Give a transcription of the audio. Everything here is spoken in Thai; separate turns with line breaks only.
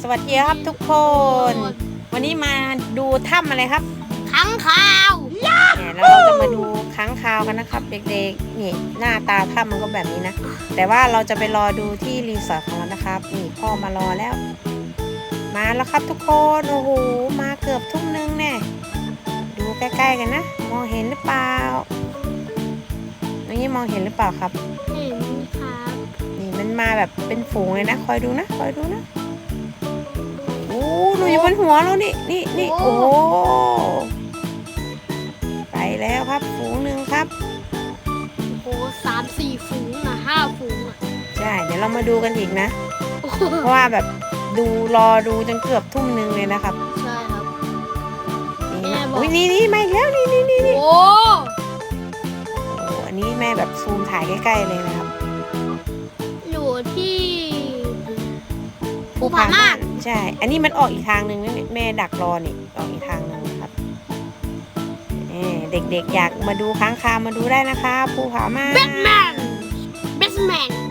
วัสดีครับทุกคน วันนี้มาดูถ้ำอะไรครับ
ค้างคาว
เนี่ยแล้วเราจะมาดูค้างคาวกันนะครับ เด็กๆนี่หน้าตาถ้ำมันก็แบบนี้นะแต่ว่าเราจะไปรอดูที่รีสอร์ทของเรานะครับนี่พ่อมารอแล้ว มาแล้วครับทุกคนโอ้โหมาเกือบทุ่มนึงแน่ดูใกล้ๆกันนะมองเห็นหรือเปล่าน้องยี่มองเห็นหรือเปล่าครับ
เห็นครับ
นี่มันมาแบบเป็นฝูงเลยนะคอยดูนะโอ้หนูอยู่บนหัวเรานี่โอ้ไปแล้วครับฝูงหนึ่งครับ
โอ้3-4 ฝูงนะ5 ฝูงอ่ะ
ใช่เดี๋ยวเรามาดูกันอีกนะ เพราะว่าแบบรอดูจนเกือบทุ่มนึงเลยนะครับ
ใช่ครับ
นี่
แม่บอก
อุ้ยนี่มาอีกแล้วนี่
โอ้
โอ้อันนี้แม่แบบซูมถ่ายใกล้ๆเลยนะครับ
อยู่ที่ภูผาม่าน
ใช่ อันนี้มันออกอีกทางหนึ่งนะเนี่ยแม่ดักรอนี่ออกอีกทางหนึ่งนะครับเด็กๆอยากมาดูค้างคาวมาดูได้นะคะภูผาม่าน
แบทแมน